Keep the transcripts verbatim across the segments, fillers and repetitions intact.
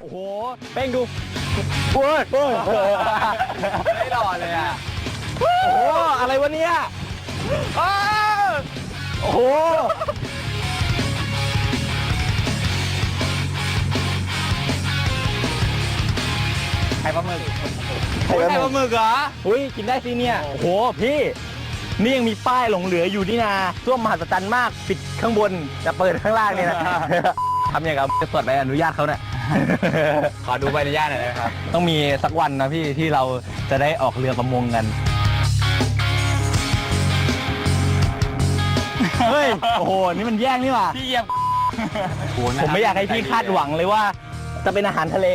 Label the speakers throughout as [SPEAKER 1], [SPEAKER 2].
[SPEAKER 1] โอ้โหเป้งดูโอ้ยโอ้ย
[SPEAKER 2] ไม่หล่อเลยอ่ะ
[SPEAKER 1] โอ้โหอะไรวะเนี่ยโอ้โหไข่ปลาหมึกไข่ปลาหมึกเหรออุ้ยกินได้สิเนี่ยโอ้โหพี่นี่ยังมีป้ายหลงเหลืออยู่นี่นาส้วมมหัศจรรย์มากปิดข้างบนจะเปิดข้างล่างนี่นะทำอย่างกับจะเปิดใบอนุญาตเขาเนี่ย
[SPEAKER 2] ขอดูใบอนุญาตหน่อยนะครับ
[SPEAKER 1] ต้องมีสักวันนะพี่ที่เราจะได้ออกเรือประมงกัน เฮ้ย โอ้โห นี่มันแย่งนี่หว่า
[SPEAKER 2] พี่เหยียบ
[SPEAKER 1] ผมไม่อยากให้พี่คาดหวังเลยว่า จะเป็นอาหารทะเล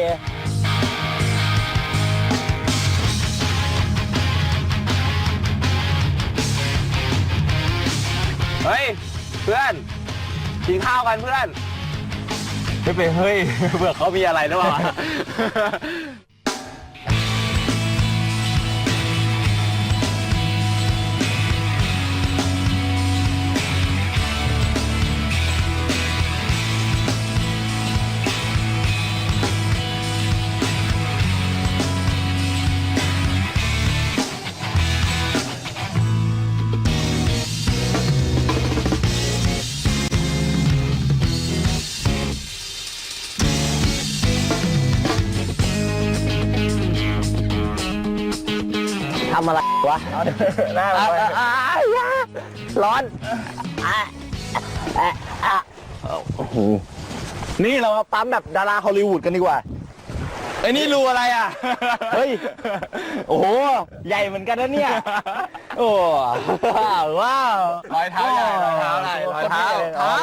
[SPEAKER 2] เฮ้ยเพื่อนกินข้าวกันเพื่อน
[SPEAKER 1] ไม่เป็นเฮ้ย เบื่อเขามีอะไรหรือเปล่า ทำอะไรวะหน้าร้อนโอ้โหนี่เรามาปั๊มแบบดาราฮอลลีวูดกันดีกว่า
[SPEAKER 2] ไอ้นี่รูอะไรอ่ะ
[SPEAKER 1] เฮ้ย โอ้โห ใหญ่เหมือนกันนะเนี่ย โอ้ว้าว
[SPEAKER 2] รอยเท้าใหญ่รอยเท้าใหญ่รอยเท้าเท้า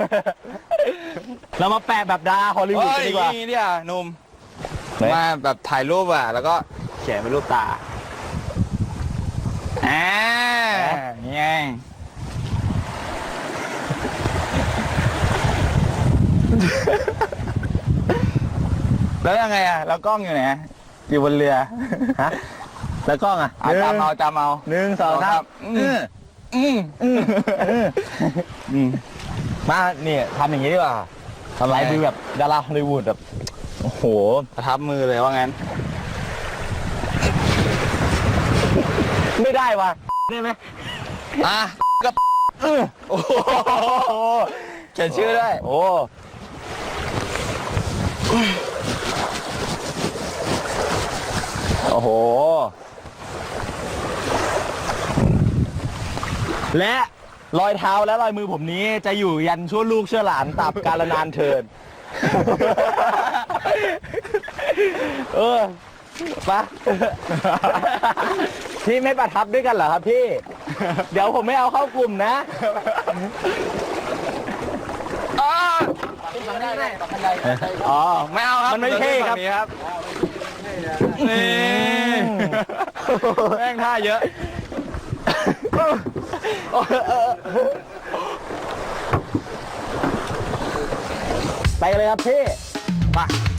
[SPEAKER 1] เรามาแปะแบบดาราฮอลลีวูดกันดีกว่า
[SPEAKER 2] นี่เนี่ยหนุ่ม
[SPEAKER 1] ไหน
[SPEAKER 2] มาแบบถ่ายรูปอ่ะแล้วก็เขียนเป็นรูปตาอ่านี่ไงแล้วยังไงอ่ะแล้วกล้องอยู่ไหนอยู่บนเรือฮะ
[SPEAKER 1] แล้วกล้องอ่ะ
[SPEAKER 2] เอาจำเอาจำเอา
[SPEAKER 1] หนึ่งสองสาม
[SPEAKER 2] อืมอืม
[SPEAKER 1] อืมอืมมาเนี่ยทำอย่างนี้ดีกว่าทำไรคือแบบดาราฮอลลีวูดแบบโอ้โห
[SPEAKER 2] ประทับมือเลยว่างั้น
[SPEAKER 1] ไม่ได้ว่ะได้ไหม
[SPEAKER 2] อ่ะก็โอ้โหเขียนชื่อด้วย
[SPEAKER 1] โอ้โอ้โหและรอยเท้าและรอยมือผมนี้จะอยู่ยันชั่วลูกชั่วหลานตราบกาลนานเทิน เออปะพี่ไม่ประทับด้วยกันเหรอครับพี่ เดี๋ยวผมไม่เอาเข้ากลุ่มนะอ๋อ
[SPEAKER 2] ไม่เอาครับ
[SPEAKER 1] มันไม่เท่ครับ
[SPEAKER 2] ครับนี่แม่งท่าเยอะ
[SPEAKER 1] ไปเลยครับพี่ไป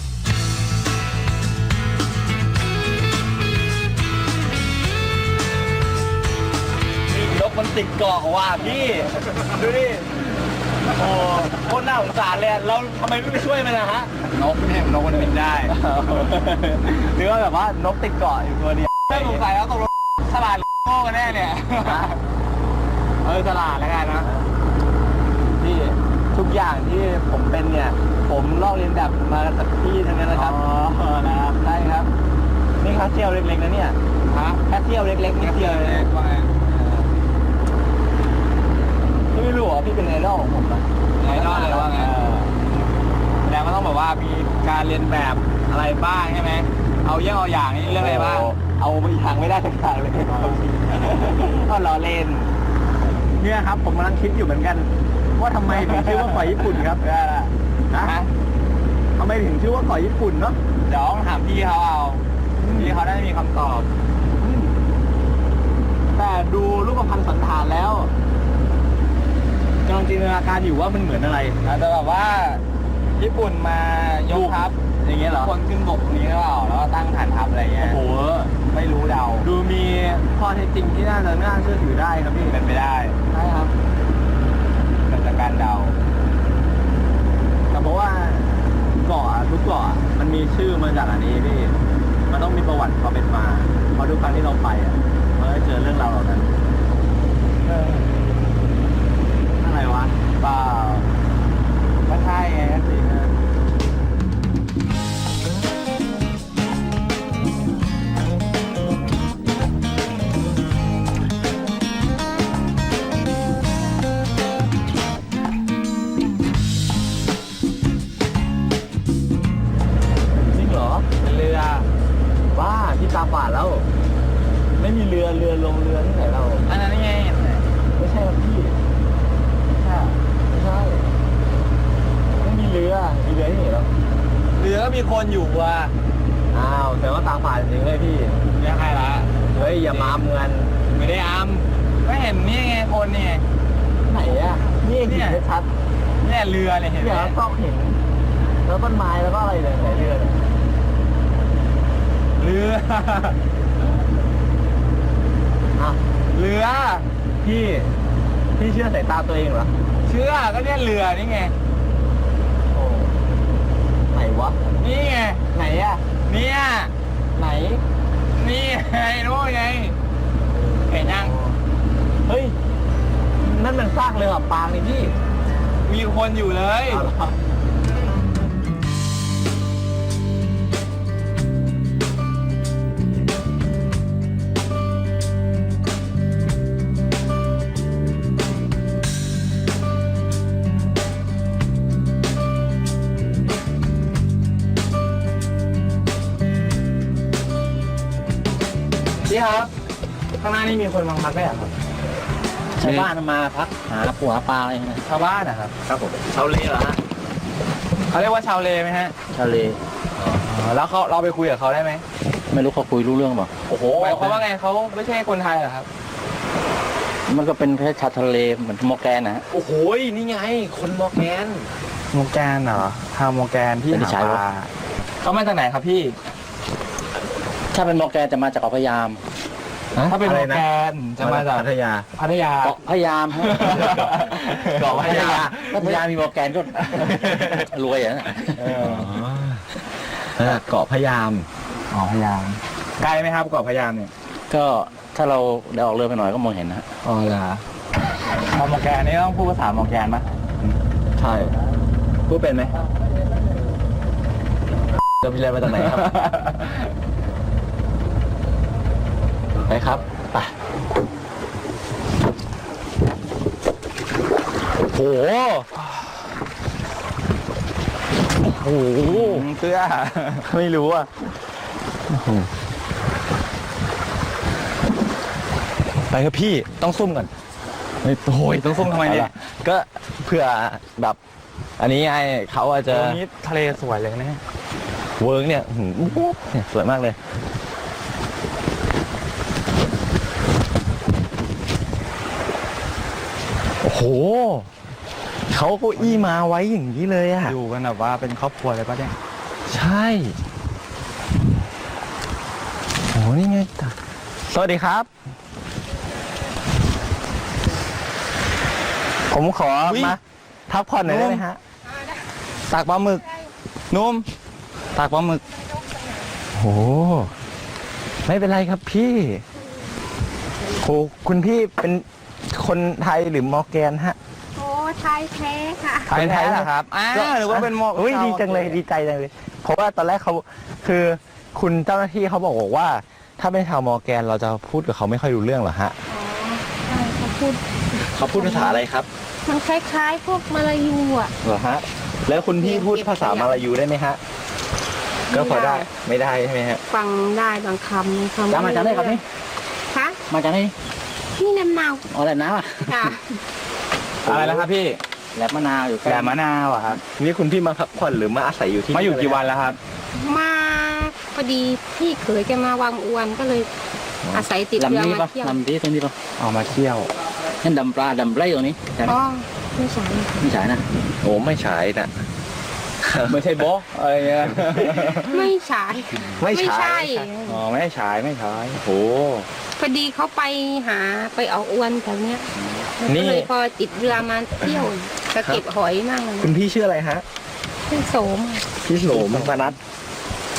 [SPEAKER 1] นกมันติดเกาะว่ะพี่ดูดิโอ้โคตรน่าสงสารเลยเราทำไมไม่ไปช่วยมันนะฮะ
[SPEAKER 2] นกเนี่ยนกมันบินได้
[SPEAKER 1] หรือว่าแบบว่านกติดเกาะอยู่ตัวเดียว
[SPEAKER 2] ไม่สงสัยแล้วตกลงฉลาดโง่กันแน่เนี่ย
[SPEAKER 1] เออตลาดแล้วกันนะที่ทุกอย่างที่ผมเป็นเนี่ย ผมลอกเรียนแบบมาจากพี่ทั้งนั้นนะครับอ๋อนะครับใช่ครับนี่แค่เที่ยวเล็กๆนะเนี่ย
[SPEAKER 2] ฮะ
[SPEAKER 1] แค่เที่ยวเล็กๆนิดเดียวเลย
[SPEAKER 2] ว่าไง
[SPEAKER 1] พี่ไม่รู้เหรอพี่เป็นไอดอลของผมอะ
[SPEAKER 2] ไอดอลเลยว่าไงแสดงว่าต้องแบบว่ามีการเรียนแบบอะไรบ้างใช่ไหมเอาเยี่ยงเอาอย่างนี่เรื่องอะไรบ้าง
[SPEAKER 1] เอาไปทางไม่ได้ทั้งทางเลยก็ล้อเล่นเนี่ยครับผมกำลังคิดอยู่เหมือนกัน ว่าทำไมถึงชื่อว่าเกาะญี่ปุ่นครับนะทำไมถึงชื่อว่าเกาะญี่ปุ่นเนาะ
[SPEAKER 2] เดี๋ยวต้องถามพี่เขาเอาพี่เขาได้มีคำตอบ
[SPEAKER 1] แต่ดูรูปพรรณสันฐานแล้วกำลังจินตนาการอยู่ว่ามันเหมือนอะไร
[SPEAKER 2] อาจจะแบบว่าญี่ปุ่นมายกทัพ
[SPEAKER 1] อย่างเงี้ยเหรอ
[SPEAKER 2] คนขึ้นบกนี้หรือเปล่าแล้วก็ตั้งฐานทัพอะไรเงี้
[SPEAKER 1] โอ้
[SPEAKER 2] ย
[SPEAKER 1] โห
[SPEAKER 2] ไม่รู้เดา
[SPEAKER 1] ดูมีข้อเท็จจริงที่น่าจะน่าเชื่อถือได้ครับพี่
[SPEAKER 2] เป็นไปได้
[SPEAKER 1] ใช่ครับ
[SPEAKER 2] เกิดจากการเดา
[SPEAKER 1] แต่เพราะว่าเกาะทุกเกาะมันมีชื่อมาจากอันนี้พี่มันต้องมีประวัติความเป็นมาเพราะทุกครั้งที่เราไปอ่ะมันก็เจอเรื่องราวเหล่านั้นอะไรวะเปล่าก็ใช่ไงสิฮะเรือบ้าที่ตาฝาดแล้วไม่มีเรือเรือลงเรือที่ไหนเราอันนั้นไงไม่ใช่ครับพี่ไม่ใช่ไม่ใช่ไม่มีเรือมีเรือที่ไหนเราเรือก็มีคนอยู่ว่ะอ้าวแต่ว่าตาฝาดจริงเลยพี่ไม่ใช่ละเฮ้ยอย่ามาอำเงินไม่ได้อำก็เห็นนี่ไงคนนี่ไหนอ่ะนี่เห็นชัดเนี่ยเรือเนี่ยเห็นไหมเนี่ยต้องเห็นแล้วต้นไม้แล้วก็อะไรเนี่ยไหนเรือเนี่ยเรืออ่ะเรือพี่พี่เชื่อสายตาตัวเองเหรอเชื่อก็เนี่ยเรือนี่ไงโอ้ไหนวะนี่ไงไหนอะเนี่ยไหนนี่ไงนู้นไงเห็นยังเฮ้ยนั่นมันซากเรือปางนี่พี่มีคนอยู่เลยพี่ครับข้างหน้านี่มีคนมาพักได้หรอครับชาวบ้านมาพักหาปูหาปลาอะไรนะชาวบ้านนะครับครับผมชาวเลเหรอฮะเขาเรียกว่าชาวเลไหมฮะชาวเลแล้วเขาเราไปคุยกับเขาได้ไหมไม่รู้เขาคุยรู้เรื่องเปล่าโอ้โหหมายความว่าไงเขาไม่ใช่คนไทยเหรอครับมันก็เป็นแค่ชาวทะเลเหมือนมอร์แกนนะโอ้โหนี่ไงคนมอร์แกนมอร์แกนเหรอชาวมอร์แกนที่หาปลาเขามาจากไหนครับพี่ถ้าเป็นมอร์แกนจะมาจากเกาะพะยามถ้าเป็นมอร์แกนจะมาจากพัทยาพัทยาเกาะพะยามเกาะพัทยาพัทยามีมอร์แกนก็รวยอ่ะเกาะพะยามอ๋อพะยามไกลไหมครับเกาะพะยามเนี่ยก็ถ้าเราเดินออกเรือไปหน่อยก็มองเห็นนะอ๋อเหรอชาวมอร์แกนนี่ต้องพูดภาษามอร์แกนไหมใช่พูดเป็นไหมจะไปเรียนมาจากไหนครับไปครับไปโหโอ้โหเสื้อไม่รู้อ่ะไปครับพี่ต้องซุ่มก่อนโอ้ยต้องซุ่มทำไมเนี่ยก็เพื่อแบบอันนี้ไงเขาอาจจะตรงนี้ทะเลสวยเลยนะเวิร์กเนี่ยเนี่ยสวยมากเลยโอ้โหเขาเก้าอี้มาไว้อย่างนี้เลยอะอยู่กันแบบว่าเป็นครอบครัวเลยปะเนี่ยใช่โอ้นี่ไงสวัสดีครับผมขอมาพักผ่อนหน่อยได้ไหมฮะตากปลาหมึกนุ่มตากปลาหมึกโอ้ไม่เป็นไรครับพี่โอ้คุณพี่เป็นคนไทยหรือมอร์แกนฮะโอ้ไทยแท้ค่ะไทยแท้เหรอครับอ้าวหรือว่าเป็นมอร์อุ้ยดีจังเลยดีใจจังเลยเพราะว่าตอนแรกเขาคือคุณเจ้าหน้าที่เขาบอกว่าถ้าเป็นชาวมอร์แกนเราจะพูดกับเขาไม่ค่อยรู้เรื่องหรอฮะอ๋อใช่เขาพูดเขาพูดภาษาอะไรครับมันคล้ายๆพวกมาลายูอ่ะเหรอฮะแล้วคุณพี่พูดภาษามาลายูได้ไหมฮะก็พอได้ไม่ได้ใช่ไหมฮะฟังได้บางคำคำจะมาจากไหนครับนี่คะมาจากไหนนี่แหลมนาวอ๋อแหลมนาวอ่ะค่ะอะไรนะครับพี่แหลมมะนาวอยู่แหลมมะนาวอ่ะครับนี่คุณพี่มาพักผ่อนหรือมาอาศัยอยู่ที่มาอยู่กี่วันแล้วครับมาพอดีพี่เคยแกมาวางอวนก็เลยอาศัยติดเรือมาเที่ยวลำนี้ตรงนี้ป่ะออกมาเที่ยวนั่นดำปลาดำไรตรงนี้อ๋อไม่ใช่ไม่ใช่นะโอ้ไม่ใช่นะไม่ใช่โบ๊ะอะไรเงี้ยไม่ใช่ไม่ใช่อ๋อไม่ใช่ไม่ใช่โอ้พอดีเขาไปหาไปเอาอวนแถวเนี้ยนี่เลยพอติดเรือมาเที่ยวก็เก็บหอยมากเลยคุณพี่ชื่ออะไรฮะพี่โสมพี่โสมปนัด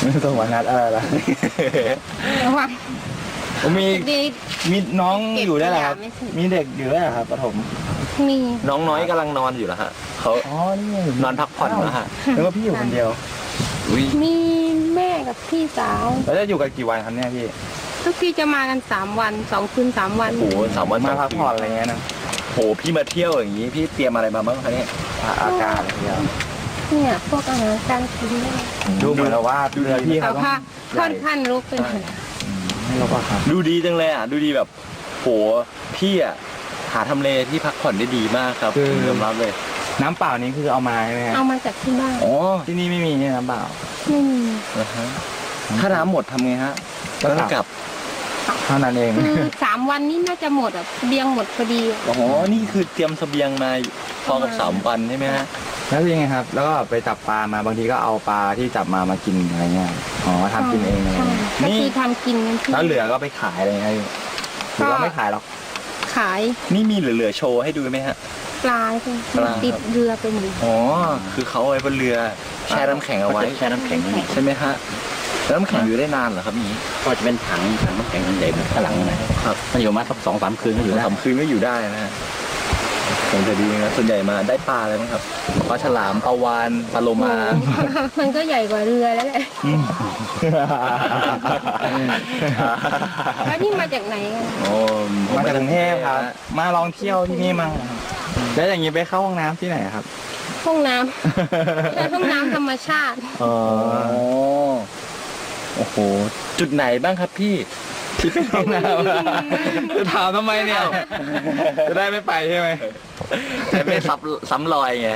[SPEAKER 1] ส่งมานัดอะไรล่ะ
[SPEAKER 3] ระวัง
[SPEAKER 1] ผมมี
[SPEAKER 3] ดี
[SPEAKER 1] มีน้องอยู่ได้เหรอครับ
[SPEAKER 3] ไม่ถึง
[SPEAKER 1] มีเด็กอยู่ได้เหรอครับปฐม
[SPEAKER 3] มี
[SPEAKER 2] น้องน้อยกำลังนอนอยู่แล้วฮะเขา
[SPEAKER 1] อ๋อนี่
[SPEAKER 2] นอนพักผ่อนแล้วฮะ
[SPEAKER 1] แล้วก็พี่อยู่คนเดียว
[SPEAKER 2] อุ้ย
[SPEAKER 3] มีแม่กับพี่สาว
[SPEAKER 1] แล้วจะอยู่กันกี่วันครับเนี่ยพี่
[SPEAKER 3] ทุกที่จะมากันสามวันสองคืนสามวัน
[SPEAKER 2] โอ้โหสามวัน
[SPEAKER 1] มา
[SPEAKER 2] สง
[SPEAKER 1] พัก
[SPEAKER 2] คื
[SPEAKER 1] ผ่อนอะไรเงี้ยนะ
[SPEAKER 2] โหพี่มาเที่ยวอย่างนี้พี่เตรียมอะไรมาบ้างคะเนี่ย
[SPEAKER 1] อากาศอะไรเงี้ย
[SPEAKER 3] เนี่ยพวกอาหารการกินเนี่ย
[SPEAKER 1] ดูเหมือนกับว่าเรือพี่
[SPEAKER 3] แต่
[SPEAKER 1] เขาต้อง
[SPEAKER 3] ว่า
[SPEAKER 1] ให
[SPEAKER 3] ค่อ
[SPEAKER 1] ญ่
[SPEAKER 3] นข้างลุกเป็น
[SPEAKER 1] ไม่รู้ว่าครับ
[SPEAKER 2] ดูดีจังเลยอ่ะดูดีแบบโหพี่อ่ะหาทำเลที่พักผ่อนได้ดีมากครับผมยอมรับเลย
[SPEAKER 1] น้ำเปล่านี้คือเอามาใช่ไหมครับ
[SPEAKER 3] เอามาจากที่บ้าน
[SPEAKER 2] อ๋อ
[SPEAKER 1] ที่นี่ไม่มีเนี่ยน้ำเปล่า
[SPEAKER 3] ไม่มี
[SPEAKER 2] นะฮะถ้าน้ำหมดทำไงฮะ
[SPEAKER 1] ก็
[SPEAKER 2] ต้อง
[SPEAKER 1] ก
[SPEAKER 2] ก
[SPEAKER 1] ลั
[SPEAKER 2] ลั
[SPEAKER 1] บ เท่านั้นเอง
[SPEAKER 3] คือสามวันนี้น่าจะหมดอ่ะเบียงหมดพอดีอะ
[SPEAKER 2] อ๋อนี่คือเตรียมเสบียงมาพอกับสามวันใช่ไหมฮะ
[SPEAKER 1] แล้วยังไงครับ แล้วก็ไปจับปลามาบางทีก็เอาปลาที่จับมามากินอะไรเงี้ยอ๋อทำกินเองอะไร
[SPEAKER 3] ใช่
[SPEAKER 1] เงี้ย
[SPEAKER 3] ก็
[SPEAKER 1] นี่
[SPEAKER 3] คือทำกินกันที่
[SPEAKER 1] แล้วเหลือก็ไปขายอะไรเงี้ยหรือว่าไม่ขายหรอก
[SPEAKER 3] ขาย
[SPEAKER 2] นี่มีเหลือๆโชว์ให้ดูไหมฮะ
[SPEAKER 3] ปลาใช่ไหม
[SPEAKER 2] ปลา
[SPEAKER 3] ติดเรือไปหมด
[SPEAKER 2] อ๋อคือเขาเอาไว้บนเรือแช่น้ำแข็งเอาไว้แช่น้ำแข็งใช่ไหมฮะแล้วน้ำแข็งอยู่ได้นานเหรอครับนี้
[SPEAKER 4] ก็จะเป็นถังถังน้ำแข็งใหญ่ๆข้างหลังนะครับมันอยู่มาสักสองสามคืนก็อยู่
[SPEAKER 2] อยู่
[SPEAKER 4] ได้
[SPEAKER 2] สามคืนก็อยู่ได้นะฮะคงจะดีนะส่วนใหญ่มาได้ปลาอะไรบ้างครับปลาฉลามปลาวานปลาโลมา
[SPEAKER 3] มันก็ใหญ่กว่าเรือแล้วแหละแล้วนี่มาจากไหนกัน
[SPEAKER 2] โอ้
[SPEAKER 1] มาจากกรุงเทพครับ มาลองเที่ยวที่นี่มาแล้วอย่างนี้ไปเข้าห้องน้ำที่ไหนครับ
[SPEAKER 3] ห้องน้ำห้องน้ำธรรมชาติ
[SPEAKER 1] อ๋อ
[SPEAKER 2] โอ้โอ้โหจุดไหนบ้างครับพี่ที่เป็นห้องน้ำ
[SPEAKER 1] จะถามทำไมเนี่ย จะได้ไม่ไปใช่ไหม
[SPEAKER 2] จะไม่ซ้ำซ้ำรอยไง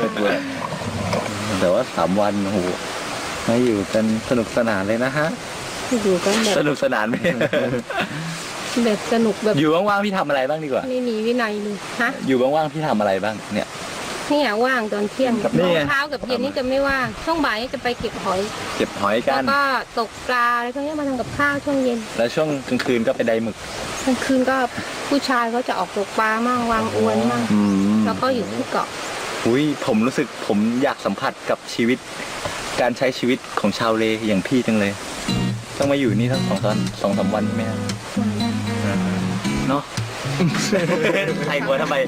[SPEAKER 2] แต่ว่าสามวันโอ้โหมาอยู่กันสนุกสนานเลยนะฮะ
[SPEAKER 3] อยู่กันแบ
[SPEAKER 2] ส
[SPEAKER 3] บ
[SPEAKER 2] นุกสนานไหม
[SPEAKER 3] แบบสนุกแบบ
[SPEAKER 2] อยู่ว่างๆพี่ทำอะไรบ้างดีกว่า
[SPEAKER 3] ไม่มีวินัยเลยฮะ
[SPEAKER 2] อยู่ว่างๆพี่ทำอะไรบ้างเนี่ย
[SPEAKER 3] เนี่ยว่างตอนเที่ยง
[SPEAKER 2] นี่ไง
[SPEAKER 3] เช้ากับเย็นนี่จะไม่ว่างช่วงบ่ายนี่จะไปเก็บหอย
[SPEAKER 2] เก็บหอยกั
[SPEAKER 3] แล้ว
[SPEAKER 2] น
[SPEAKER 3] ก็ตกปลาอะไรพวกนี้มาทำกับข้าวช่วงเย็น
[SPEAKER 2] แล้วช่วงกลางคืนก็ไปไดหมึก
[SPEAKER 3] กลางคืนก็ผู้ชายเขาจะออกตกปลามั่งวางอวนมั่ง
[SPEAKER 2] อืม
[SPEAKER 3] แล้วก็อยู่ที่เกาะ
[SPEAKER 2] อุ้ยผมรู้สึกผมอยากสัมผัสกับชีวิต การใช้ชีวิตของชาวเลอย่างพี่จังเลย ต้องมาอยู่นี่ทั้งสองสามสองสามวันใช่ไหมฮะเนาะ ใส่หัวทำไม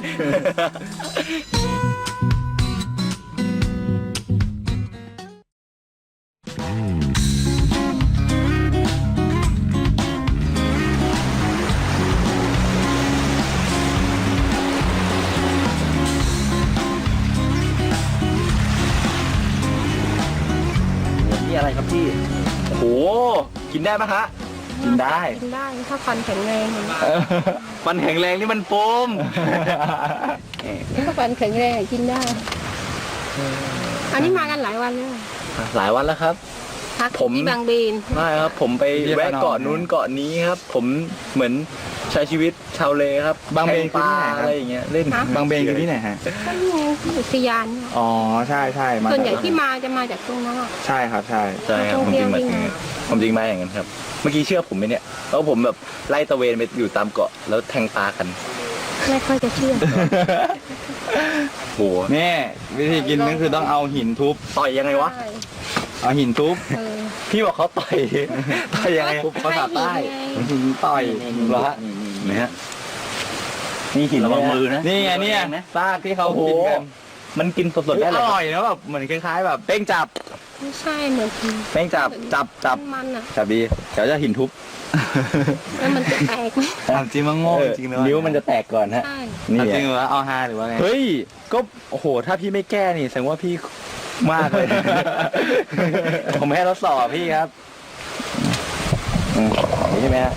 [SPEAKER 2] นี่อะไรครับพี่ โอ้โห กินได้ไหมฮะ กินได้
[SPEAKER 3] กินได้ถ้าฟันแข็งแรงเห็นไหม
[SPEAKER 2] มันแข็งแรงนี่มันโฟม
[SPEAKER 3] ถ้าฟันแข็งแรงกินได้ อันนี้มากันหลายวันแล้ว
[SPEAKER 2] หลายวันแล้วครับ
[SPEAKER 3] พัก
[SPEAKER 2] ผม
[SPEAKER 3] ที่บางเบน
[SPEAKER 2] ไม่ครับ ผมไปแวะเกาะนู้นเกาะนี้ครับ ผมเหมือนใช้ชีวิตชาวเลครับ
[SPEAKER 1] บางเบน
[SPEAKER 2] แทปลา
[SPEAKER 1] คือที่ไหนครับ
[SPEAKER 2] อะไรอย่างเงี้ยเล่น
[SPEAKER 1] บางเบนคือที่ไหนฮะ
[SPEAKER 3] ก็นี่ไงที่อุทยานเนี่ย
[SPEAKER 1] อ๋อ ใช่ใช่มา
[SPEAKER 3] ส่วนใหญ่ที่มาจะมาจากตรงนั้นอะ
[SPEAKER 1] ใช่ครับใช่
[SPEAKER 2] ใช่ครับ
[SPEAKER 3] ท่
[SPEAKER 2] ผ
[SPEAKER 3] อง
[SPEAKER 2] ม
[SPEAKER 3] เที่
[SPEAKER 2] จ
[SPEAKER 3] ยว
[SPEAKER 2] ริงมา
[SPEAKER 3] ที่
[SPEAKER 2] อย่าง
[SPEAKER 3] ไหน
[SPEAKER 2] นั้นผมจริงมาอย่างนั้นครับ เมื่อกี้เชื่อผมไหมเนี่ยแล้วผมแบบไล่ตะเวนไปอยู่ตามเกาะแล้วแทงปลากัน
[SPEAKER 3] ไม่ค่อยจะเชื่อ
[SPEAKER 2] โห
[SPEAKER 1] นี่วิธีกินก็คือต้องเอาหินทุบ
[SPEAKER 2] ต่อยยังไงวะ
[SPEAKER 3] ใช่
[SPEAKER 1] เอาหินทุบ
[SPEAKER 3] เออ
[SPEAKER 2] พี่บอกเขาต่อย ต่อยยังไง
[SPEAKER 1] ภาษาใต้ หินต่อย
[SPEAKER 2] เหรอฮะ
[SPEAKER 4] นี่
[SPEAKER 2] นี่ฮะนี่หิน
[SPEAKER 4] ระวังมือนะ
[SPEAKER 1] นี่ไงเนี่ยซากที่เขา
[SPEAKER 2] โอ้โห
[SPEAKER 1] กินกัน
[SPEAKER 2] มันกินสดๆได้
[SPEAKER 1] อ
[SPEAKER 2] เลย
[SPEAKER 1] ร่อยนะแบบเหมือนคล้ายๆแบบเป้งจับ
[SPEAKER 3] ไม่ใช่เหมือนกิน
[SPEAKER 1] เป้งจับจับจับ
[SPEAKER 3] มันๆอะ
[SPEAKER 1] จับดีเดี๋ยวจะหินทุบ
[SPEAKER 3] แล้วมันจะแตกไหม
[SPEAKER 1] ถามจริงมันโง่จริงเลย
[SPEAKER 2] นิ้วมันจะแตกก่อนฮะ
[SPEAKER 3] ใช่
[SPEAKER 2] นี่
[SPEAKER 1] จริง
[SPEAKER 2] อะ
[SPEAKER 1] หรือว่าเอาฮาหรือว่าไง
[SPEAKER 2] เฮ้ย ก็โอ้โห ถ้าพี่ไม่แก้นี่แสดงว่าพี่มากเลย ผมให้ทดสอบพี่ครับอืมอย่างนี้ใช่ไหมฮะ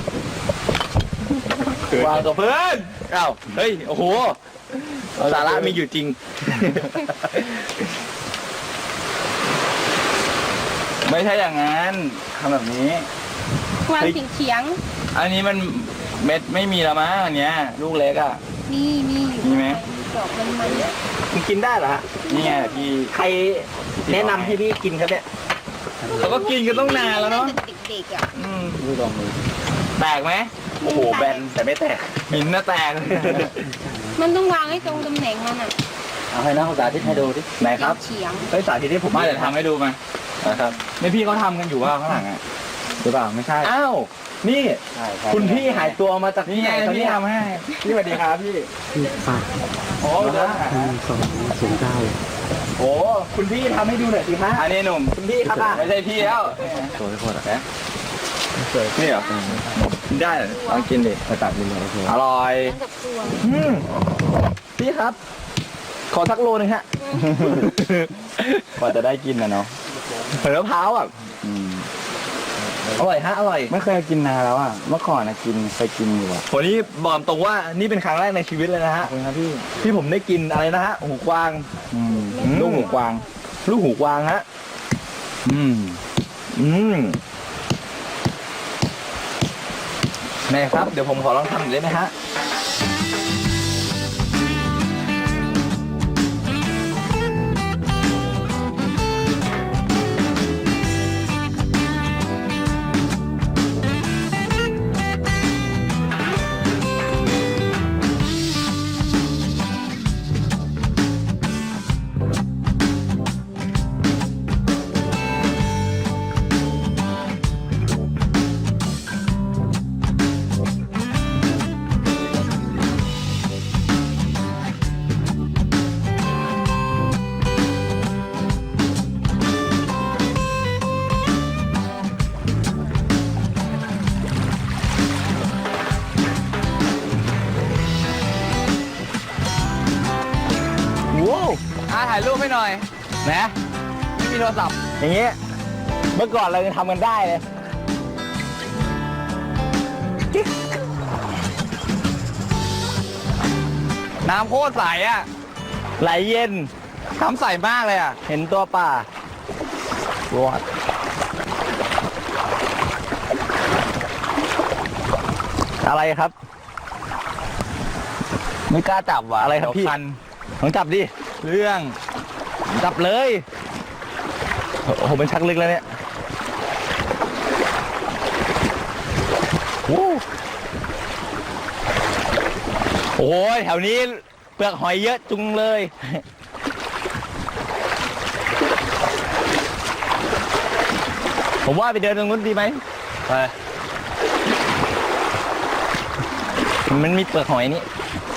[SPEAKER 2] วางกับเพื่อนอ้าวเฮ้ย โอ้โห สาระมีอยู่จริง
[SPEAKER 1] ไม่ใช่อย่างนั้นทำแบบนี้
[SPEAKER 3] วางเฉียงเฉียง
[SPEAKER 1] อันนี้มันเม็ดไม่มีแล้วมั้งอันเนี้ยลูกเล็กอ่ะ
[SPEAKER 3] ๆนี่นี่
[SPEAKER 1] มีไหม
[SPEAKER 3] ดอกมันมัน
[SPEAKER 2] มันกินได้เหรอฮะ
[SPEAKER 1] นี่ไงพี่
[SPEAKER 2] ใครแนะนำให้พี่กินครับเนี่ย
[SPEAKER 1] เขาก็กินกันต้องนานแล้วเนาะ
[SPEAKER 3] เด็กๆอ่ะ
[SPEAKER 1] อืม
[SPEAKER 2] ดูลองดู
[SPEAKER 1] แตกไหม
[SPEAKER 2] โอ้โห แบนแต่ไม่แตก
[SPEAKER 1] หินน่ะแตก
[SPEAKER 3] มันต้องวางให้ตรงตำแหน่งมันอ่ะ
[SPEAKER 4] เอาให้นักศึกษาที่ให้ดูดิ
[SPEAKER 2] ไหนครับ
[SPEAKER 3] เฉียง
[SPEAKER 2] เฮ้ยสาธิตที่ผม
[SPEAKER 1] มาเดี๋ยวทำให้ดูมา
[SPEAKER 2] ทนะครับ
[SPEAKER 1] ไม่พี่เขาทำกันอยู่ว่าข้างหลังอ่ะหรือเปล่าไม่ใช่
[SPEAKER 2] อ้าว นี่
[SPEAKER 1] ใช่ใช่
[SPEAKER 2] คุณพี่หายตัวมาจากที่
[SPEAKER 1] นี่
[SPEAKER 2] ไห
[SPEAKER 1] ไง
[SPEAKER 2] นครับ
[SPEAKER 1] พี่
[SPEAKER 2] เนี่ย
[SPEAKER 1] ทำให้พี่สวัสดีครับพี่
[SPEAKER 5] ฝาก
[SPEAKER 2] โอ้เดี๋ยวนะ
[SPEAKER 5] สองศูนย์เก้า
[SPEAKER 2] โอ้คุณพี่ทำให้ดูหน่อยสิฮะ
[SPEAKER 1] อันนี้หนุ่ม
[SPEAKER 2] คุณพี่ครับอ่ะ
[SPEAKER 1] ไม่ใช่พี่แล้ว
[SPEAKER 5] สวยโคตรอ่ะ
[SPEAKER 2] นี่เหรอกินได้เหรอลองกินดิ
[SPEAKER 5] ไปตัดดินเลยโอเค
[SPEAKER 1] อร่อย
[SPEAKER 3] กับตัว
[SPEAKER 2] อืมพี่ครับ ขอสักโลนึงฮะ
[SPEAKER 1] กว่าจะได้กินนะเนาะ
[SPEAKER 2] เผลอมะพร้าวอ่ะ
[SPEAKER 1] อืม
[SPEAKER 2] อร่อยฮะอร่อย
[SPEAKER 1] ไม่เคยกินนานแล้วอ่ะเมื่อก่อนนะกินเคยกินอยู่อ่ะ
[SPEAKER 2] วันนี้บอกตรงว่านี่เป็นครั้งแรกในชีวิตเลยนะ
[SPEAKER 1] ขอ
[SPEAKER 2] ฮะ
[SPEAKER 1] บคุณครับพี่
[SPEAKER 2] ที่ผมได้กินอะไรนะฮะหูกวาง
[SPEAKER 1] อืม
[SPEAKER 2] อืม
[SPEAKER 1] ลูกหูกวาง
[SPEAKER 2] ลูกหูกวางฮะ
[SPEAKER 1] อืม
[SPEAKER 2] อืมแม่ครับเดี๋ยวผมขอลองทำหน่อยได้ไหมฮะ ว้าว
[SPEAKER 1] อ่าถ่ายรูปให้หน่อย
[SPEAKER 2] นะ
[SPEAKER 1] ไม่มีโทรศัพท์
[SPEAKER 2] อย่างเงี้ยเมื่อก่อนเราจะทำกันได้เลย
[SPEAKER 1] น้ำโคตรใสอ่ะ
[SPEAKER 2] ไหลเย็น
[SPEAKER 1] น้ำใสมากเลยอ่ะ
[SPEAKER 2] เห็นตัวป่า
[SPEAKER 1] รอด
[SPEAKER 2] อะไรครับ
[SPEAKER 1] ไม่กล้าจับว่ะ
[SPEAKER 2] อะไรครับพี่
[SPEAKER 1] เดี๋ยวคัน
[SPEAKER 2] ลองจับดิ
[SPEAKER 1] เรื่อง
[SPEAKER 2] จับเลยโอ้โหเป็นชักลึกแล้วเนี่ยโอ้โอ้ยแถวนี้เปลือกหอยเยอะจุงเลย ผมว่าไปเดินตรงนู้นดีไหม
[SPEAKER 1] ไป
[SPEAKER 2] มันมีเปลือกหอยนี่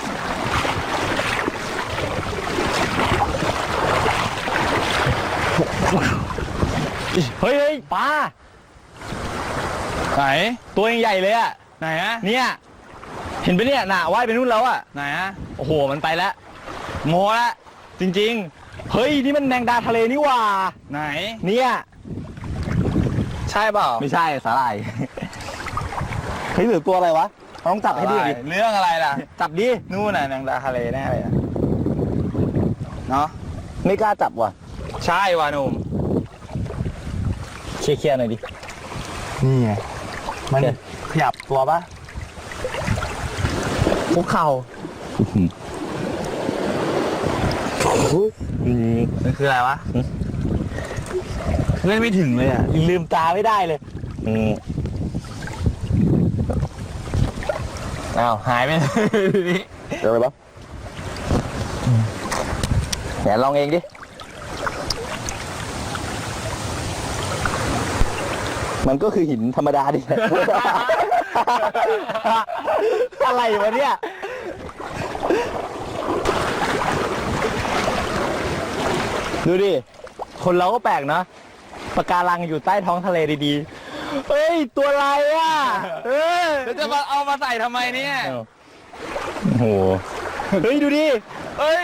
[SPEAKER 2] เฮ้ยเฮ้ยปลา
[SPEAKER 1] ไหน
[SPEAKER 2] ตัวยังใหญ่เลยอะ
[SPEAKER 1] ไหนฮะ
[SPEAKER 2] เนี่ย เห็นปะเนี่ยน่ะว่ายไปนู่นแล้วอะ
[SPEAKER 1] ไหนฮะ
[SPEAKER 2] โอ้โห มันไปแล้วโมละจริงๆ เฮ้ย นี่มันแมงดาทะเลนี่หว่า
[SPEAKER 1] ไหน
[SPEAKER 2] เนี่ย
[SPEAKER 1] ใช่เปล่า
[SPEAKER 2] ไม่ใช่สาหร่าย เฮ้ยหรือตัวอะไรวะเราต้องจับให้ดูดิ
[SPEAKER 1] เรื่องอะไรล่ะ
[SPEAKER 2] จับดิ
[SPEAKER 1] นู่นน่ะนางดาทะเลแน่เลยอะเนาะ
[SPEAKER 2] ไม่กล้าจับว่ะ
[SPEAKER 1] ใช่ว่ะหนุ่ม
[SPEAKER 2] เคลียร์ๆหน่อยดิ
[SPEAKER 1] นี่ไงมัน
[SPEAKER 2] โอเค
[SPEAKER 1] ขยับตัวปะ
[SPEAKER 2] คุกเข่า
[SPEAKER 1] มันคืออะไรวะเล่นไม่ถึงเลยอ่ะ
[SPEAKER 2] ลืมตาไม่ได้เลยอืมอ้าว หายไปเลยทีนี้เดี๋ยวไปบ้างแหนลองเองดิ มันก็คือหินธรรมดาดิ อะไรวะเนี่ย ดูดิ คนเราก็แปลกเนาะปะการังอยู่ใต้ท้องทะเลดีๆ เฮ้ย ตัวอะไรอ่ะเออ
[SPEAKER 1] แล้วจะมาเอามาใส่ทำไมเนี่ย
[SPEAKER 2] โอ้โห เฮ้ย ดูดิ
[SPEAKER 1] เอ้ย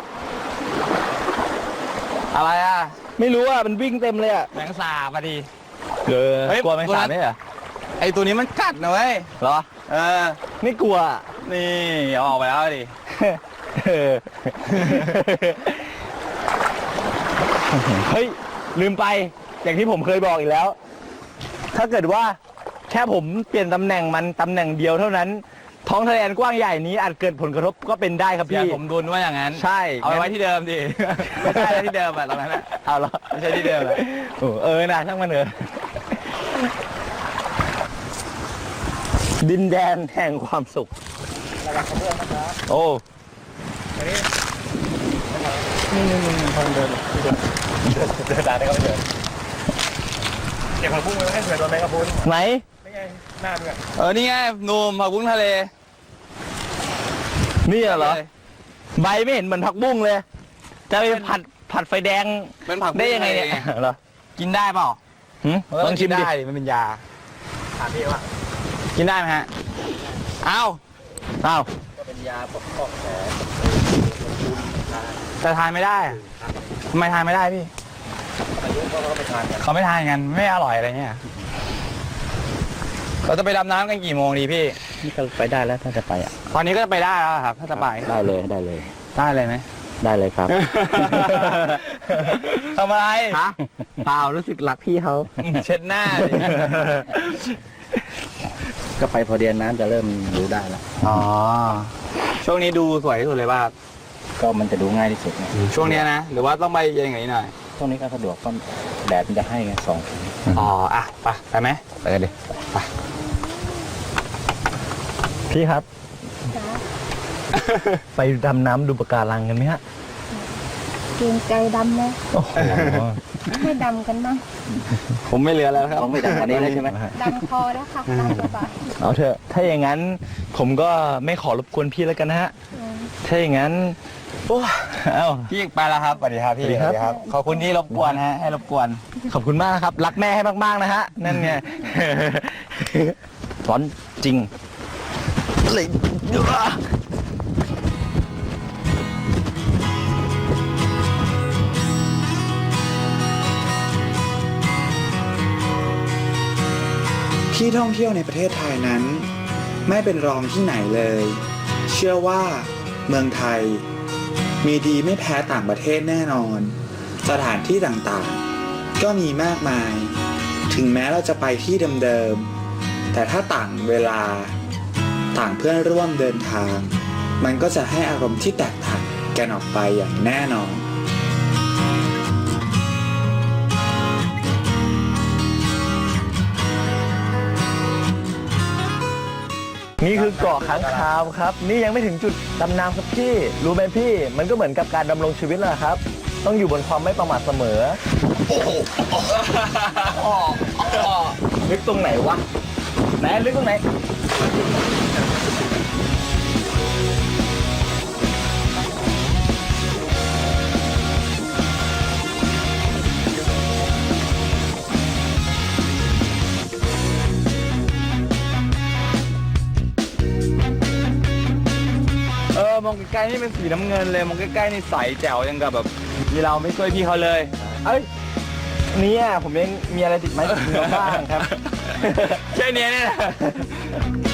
[SPEAKER 1] อะไรอ่ะ
[SPEAKER 2] ไม่รู้อ่ะ มันวิ่งเต็มเลยอ่ะ
[SPEAKER 1] แมงสาบอ่ะดิ
[SPEAKER 2] เออ
[SPEAKER 1] เฮ้ย
[SPEAKER 2] กลัวแมงสาบไหมเหรอ
[SPEAKER 1] ไอตัวนี้มันกัดนะเว้ย
[SPEAKER 2] เหรอ
[SPEAKER 1] เออ
[SPEAKER 2] ไม่กลัวอะ
[SPEAKER 1] นี่เอาออกไปแล้วดิ
[SPEAKER 2] เออ เฮ้ย ลืมไป อย่างที่ผมเคยบอกอีกแล้ว ถ้าเกิดว่าแค่ผมเปลี่ยนตำแหน่งมันตำแหน่งเดียวเท่านั้น ท้องทะเลอันกว้างใหญ่นี้อาจเกิดผลกระทบก็เป็นได้ครับ
[SPEAKER 1] อย่า
[SPEAKER 2] พี่
[SPEAKER 1] ผมดุลว่าอย่างนั้น
[SPEAKER 2] ใช่
[SPEAKER 1] เอาไปไว้ที่เดิมดิ ไม่ใช่แล้วที่เดิมอ่ะตรงนั้นอ่ะ
[SPEAKER 2] เอาเหรอ
[SPEAKER 1] ไม่ใช่ที่เดิมอะ
[SPEAKER 2] โอ้เออนะช่างมันเถอะดินแดนแห่งความสุข โอ้นี่นี่นี่คนเดินเดินเดินได้ก็ไม่เดินเก็บผักบุ้งไว้ให้เผื่อโดนแมงกะพรุน
[SPEAKER 1] ไหน
[SPEAKER 2] นี่ไงหน้ามึงอะ
[SPEAKER 6] เออ นี่ไงหนุ่มผักบุ้งทะเล
[SPEAKER 1] นี่เหรอ ใบไม่เห็นเหมือนผักบุ้งเลย จะไปผัดผัดไฟแดง
[SPEAKER 6] เป็นผักบุ้ง
[SPEAKER 1] ได้ยังไงเนี่ย
[SPEAKER 6] ทะเล
[SPEAKER 1] เหรอ
[SPEAKER 6] กินได้เปล่า
[SPEAKER 1] หึลองชิมดิ
[SPEAKER 6] ได้มันเป็นยา
[SPEAKER 2] ถามพี่ว่า
[SPEAKER 6] กินได้ไหมฮะ อ้าว
[SPEAKER 1] อ้าว
[SPEAKER 2] ก็เป็นยาปกป้องแผล
[SPEAKER 6] แต่ทานไม่ได้อะทำไมทานไม่ได้พี่
[SPEAKER 2] อายุก็เขาไปทานกัน
[SPEAKER 6] เขาไม่ทานกันไม่อร่อยอะไรเงี้ย เราจะไปดำน้ำกันกี่โมงดีพี่
[SPEAKER 4] นี่ก็ไปได้แล้วถ้าจะไปอ่ะ
[SPEAKER 6] ตอนนี้ก็จะไปได้แล้วครับ ถ้าจะไป
[SPEAKER 4] ได้เลยได้เลย
[SPEAKER 6] ได้เลยไหม
[SPEAKER 4] ได้เลยครับ
[SPEAKER 6] ทำอะไร
[SPEAKER 1] ฮะเปล่ารู้สึกรักพี่เขา
[SPEAKER 6] เช็ดหน้าดิ
[SPEAKER 4] ก็ไปพอเดียนน้ำจะเริ่มดูได้แล้ว
[SPEAKER 6] อ๋อ ช่วงนี้ดูสวยที่สุดเลยป่ะครับ
[SPEAKER 4] ก็มันจะดูง่ายที่สุดไง
[SPEAKER 6] ช่วงเนี้ยนะ หรือว่าต้องไปเย็นกว่านี้หน่อย
[SPEAKER 4] ช่วงนี้ก็สะดวกก็แดดมันจะให้ไงสอง
[SPEAKER 6] อ๋อ อ่ะ ไป ไปไหม
[SPEAKER 1] ไปกันดิพี่ครับ
[SPEAKER 3] จ้า
[SPEAKER 1] ไปดำน้ำดูปะการังกันไหมฮะ
[SPEAKER 3] เกรงใจดำเลย
[SPEAKER 1] โอ้โห
[SPEAKER 3] ให้ดำกันบ้าง
[SPEAKER 6] ผมไม่เหลือแล้วครับ
[SPEAKER 4] ต้องไปดังกว่านี้แล้วใช่ไหม
[SPEAKER 3] ดำคอแล้วค่ะดำสบาย
[SPEAKER 1] เอาเถอะ ถ้าอย่างนั้น ผมก็ไม่ขอรบกวนพี่แล้วกันนะฮะ
[SPEAKER 3] อืม
[SPEAKER 1] ถ้าอย่างนั้น โอ้เอ้า
[SPEAKER 6] พี่ไปแล้วครับ สวัสดีครับพี่
[SPEAKER 1] สวัสดีครับ
[SPEAKER 6] ขอบคุณที่รบกวนฮะ ให้รบกวน
[SPEAKER 1] ขอบคุณมากครับ รักแม่ให้มากๆนะฮะ นั่นไง ร้อนจริงเลย
[SPEAKER 7] ที่ท่องเที่ยวในประเทศไทยนั้น ไม่เป็นรองที่ไหนเลย เชื่อว่าเมืองไทย มีดีไม่แพ้ต่างประเทศแน่นอน สถานที่ต่างๆ ก็มีมากมาย ถึงแม้เราจะไปที่เดิมๆแต่ถ้าต่างเวลา ต่างเพื่อนร่วมเดินทาง มันก็จะให้อารมณ์ที่แตกต่างกันออกไปอย่างแน่นอน
[SPEAKER 1] นี่คือเกาะค้างคาวครับ นี่ยังไม่ถึงจุดดำน้ำครับพี่ รู้ไหมพี่ มันก็เหมือนกับการดำรงชีวิตแหละครับ ต้องอยู่บนความไม่ประมาทเสมอ ลึกตรงไหนวะไหนลึกตรงไหน
[SPEAKER 6] เออ มองใกล้ๆนี่เป็นสีน้ำเงินเลย มองใกล้ๆนี่ใสแจ๋วยังกับแบบมีเราไม่ช่วยพี่เขาเลย
[SPEAKER 1] เอ้ยเนี่ยผมยังมีอะไรติดไม้ติดมือบ้างครับ
[SPEAKER 6] แค่เนี้ยเนี่ยนะ